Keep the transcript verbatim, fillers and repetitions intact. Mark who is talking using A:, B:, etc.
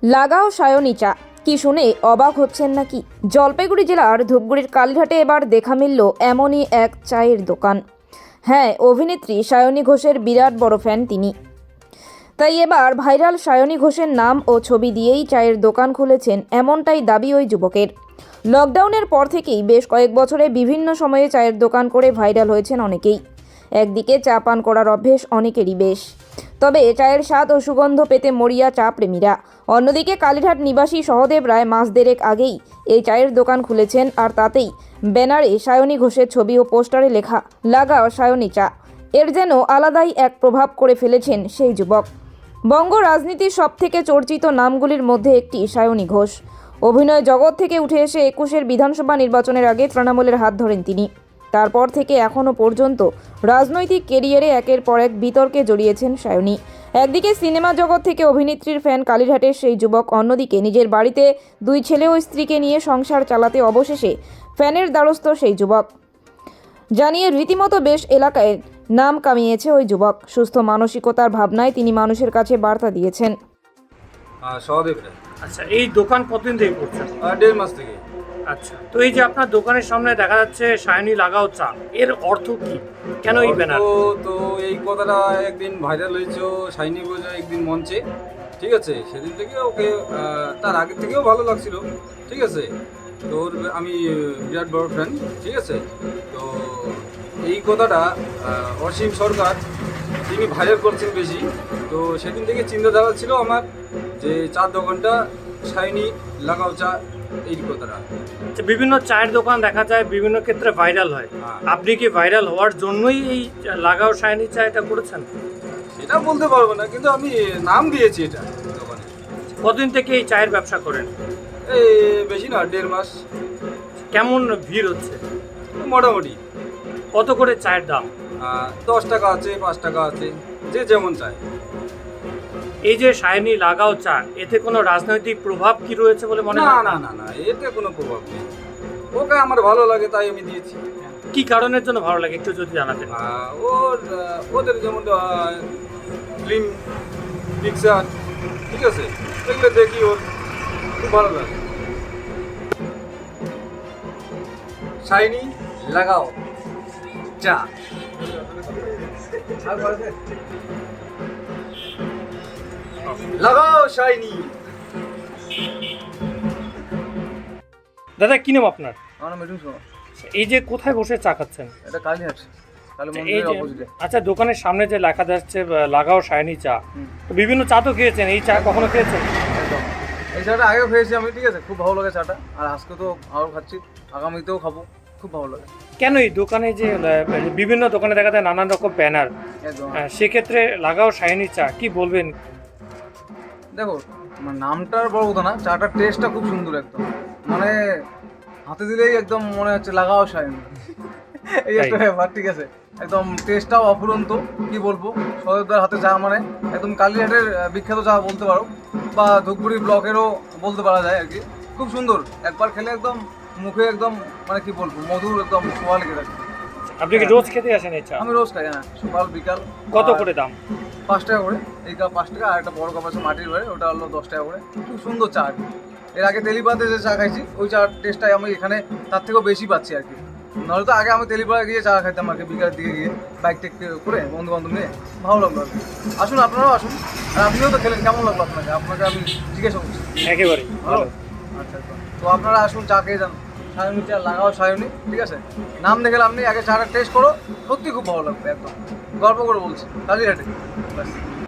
A: লাগাও সায়নী চা, কি শুনে অবাক হচ্ছেন নাকি? জলপাইগুড়ি জেলার ধূপগুড়ির কালীঘাটে এবার দেখা মিলল এমনই এক চায়ের দোকান। হ্যাঁ, অভিনেত্রী সায়নী ঘোষের বিরাট বড় ফ্যান তিনি। তাই এবার ভাইরাল সায়নী ঘোষের নাম ও ছবি দিয়েই চায়ের দোকান খুলেছেন, এমনটাই দাবি ওই যুবকের। লকডাউনের পর থেকেই বেশ কয়েক বছরে বিভিন্ন সময়ে চায়ের দোকান করে ভাইরাল হয়েছেন অনেকেই। একদিকে চা পান করার অভ্যেস অনেকেরই বেশ, তবে চায়ের স্বাদ ও সুগন্ধ পেতে মরিয়া চা প্রেমীরা। অন্যদিকে কালীঘাট নিবাসী সহদেব রায় মাস দেড়েক আগেই এই চায়ের দোকান খুলেছেন, আর তাতেই ব্যানারে সায়নী ঘোষের ছবি ও পোস্টারে লেখা লাগাও সায়নী চা। এর যেন আলাদাই এক প্রভাব করে ফেলেছেন সেই যুবক। বঙ্গ রাজনীতির সবথেকে চর্চিত নামগুলির মধ্যে একটি সায়নী ঘোষ। অভিনয় জগৎ থেকে উঠে এসে একুশের বিধানসভা নির্বাচনের আগে তৃণমূলের হাত ধরেন তিনি। তারপর থেকে এখনও পর্যন্ত রাজনৈতিক কেরিয়ারে একের পর এক বিতর্কে জড়িয়েছেন সায়নী। একদিকে সিনেমা জগৎ থেকে অভিনেত্রীর ফ্যান কালীঘাটের সেই যুবক, অন্যদিকে নিজের বাড়িতে দুই ছেলে ও স্ত্রীকে নিয়ে সংসার চালাতে অবশেষে ফ্যানের দ্বারস্থ সেই যুবক। জানিয়ে রীতিমতো বেশ এলাকায় নাম কামিয়েছে ওই যুবক। সুস্থ মানসিকতার ভাবনায় তিনি মানুষের কাছে বার্তা দিয়েছেন।
B: সহদেব রায়।
C: আচ্ছা, এই দোকান কতদিন থেকে করছেন?
B: দেড় মাস থেকে।
C: আচ্ছা, তো এই যে আপনার দোকানের সামনে দেখা যাচ্ছে সায়নী লাগাও চা, এর অর্থ কি? কেন এই ব্যানার?
B: তো তো এই কথাটা একদিন ভাইরাল হয়েছে সায়নী ঘোষ একদিন মঞ্চে, ঠিক আছে? সেদিন থেকে ওকে তার আগে থেকেও ভালো লাগছিল, ঠিক আছে? তো ওর আমি বিরাট বড় ফ্যান, ঠিক আছে? তো এই কথাটা অসীম সরকার তিনি ভাইরাল করছেন বেশি। তো সেদিন থেকে চিন্তাধারা ছিল আমার যে চার দোকানটা সায়নী লাগাও চা, এই কথাটা।
C: বিভিন্ন চায়ের দোকান দেখা যায় বিভিন্ন ক্ষেত্রে ভাইরাল হয়,
B: হ্যাঁ।
C: আপনি কি ভাইরাল হওয়ার জন্যই এই লাগাও সায়নী চা এটা করেছেন?
B: সেটা বলতে পারবো না, কিন্তু আমি নাম দিয়েছি এটা দোকানে।
C: কতদিন থেকে এই চায়ের ব্যবসা করেন?
B: এই বেশি না, দেড় মাস।
C: কেমন ভিড় হচ্ছে?
B: মোটামুটি।
C: কত করে চায়ের দাম?
B: আহ, দশ টাকা আছে, পাঁচ টাকা আছে, যে যেমন চায়।
C: এই যে সায়নী লাগাও চা, এতে কোনো রাজনৈতিক প্রভাব কি রয়েছে বলে মনে
B: না
C: হয়?
B: না না না, এতে কোনো প্রভাব নেই। ওকে আমার ভালো লাগে তাই আমি দিয়েছি।
C: কি কারণের জন্য ভালো লাগে একটু যদি জানাতেন।
B: আহ, ওর আহ, ওদের যেমন ফিল্ম পিকচার, ঠিক আছে, এগুলো দেখি ওর খুব ভালো লাগে। সায়নী লাগাও চা। লাগাও সায়নী।
C: দাদা, কি নাম আপনার?
D: আমার নাম মিঠুন শর্মা।
C: এই যে কোথায় বসে চা খাচ্ছেন?
D: এটা কালীহাট, কালী
C: এই
D: মন্দিরের
C: যে
D: অপোজিটে।
C: আচ্ছা, দোকানের সামনে যে লেখা যাচ্ছে আহ, লাগাও সায়নী চা,
D: হুম।
C: তো বিভিন্ন চা তো খেয়েছেন, এই চা কখনো খেয়েছেন?
D: একদম। এই চাটা আগেও খেয়েছি আমি, ঠিক আছে, খুব ভালো লাগে চাটা। আর আজকে তো আরও খাচ্ছি, আগামীতেও খাবো, খুব ভালো লাগে।
C: কেন এই দোকানে যে আহ, বিভিন্ন দোকানে দেখা যায় নানান রকম ব্যানার,
D: একদম।
C: সেক্ষেত্রে লাগাও সায়নী চা কি বলবেন?
D: দেখো, মানে নামটার বড় কথা না, চাটার টেস্টটা খুব সুন্দর একদম, মানে হাতে দিলেই একদম মনে হচ্ছে লাগাও সায়নী। এই একটা ব্যাপার, ঠিক আছে, একদম টেস্টটাও অফুরন্ত। কি বলবো, সহদেবদার হাতে চা মানে একদম কালীঘাটের আহ, বিখ্যাত চা বলতে পারো, বা ধূপগুড়ি ব্লকেরও বলতে পারা যায় আর কি। খুব সুন্দর, একবার খেলে একদম মুখে একদম মানে কি বলবো, মধুর একদম সোয়া লেগে থাকে।
C: আপনি কি রোজ খেতে আসেন এই চা?
D: আমি রোজ খাই, হ্যাঁ, সকাল বিকাল।
C: কত
D: আর
C: করে দাম?
D: পাঁচ টাকা করে এই কাপ, পাঁচ টাকা। আর একটা বড় কাপ আছে মাটির ঘরে, ওটা হলো দশ টাকা করে। খুব সুন্দর চা আর কি। এর আগে তেলিপাড়াতে যে চা খাইছি, ওই চার টেস্টটাই আমি এখানে তার থেকেও বেশি পাচ্ছি আর কি। নাহলে তো আগে আমি তেলিপাড়া গিয়ে চা খাইতাম আর কি, বিকালের দিকে গিয়ে বাইক টেক করে বন্ধু বান্ধব নিয়ে। ভালো লাগলো আর কি। আসুন, আপনারাও আসুন। আর আপনিও তো খেলেন, কেমন লাগলো আপনাকে? আপনাকে আমি জিজ্ঞাসা করছি।
C: একেবারে
D: ভালো।
C: ভালো।
D: আচ্ছা আচ্ছা, তো আপনারা আসুন, চা খেয়ে যান। সায়নী চা, লাগাও সায়নী, ঠিক আছে? নাম দেখে লাভ নেই, আগে চাটা টেস্ট করো, সত্যি খুব ভালো লাগবে একদম। গল্প করে বলছি, কালীঘাটে। ব্যাস।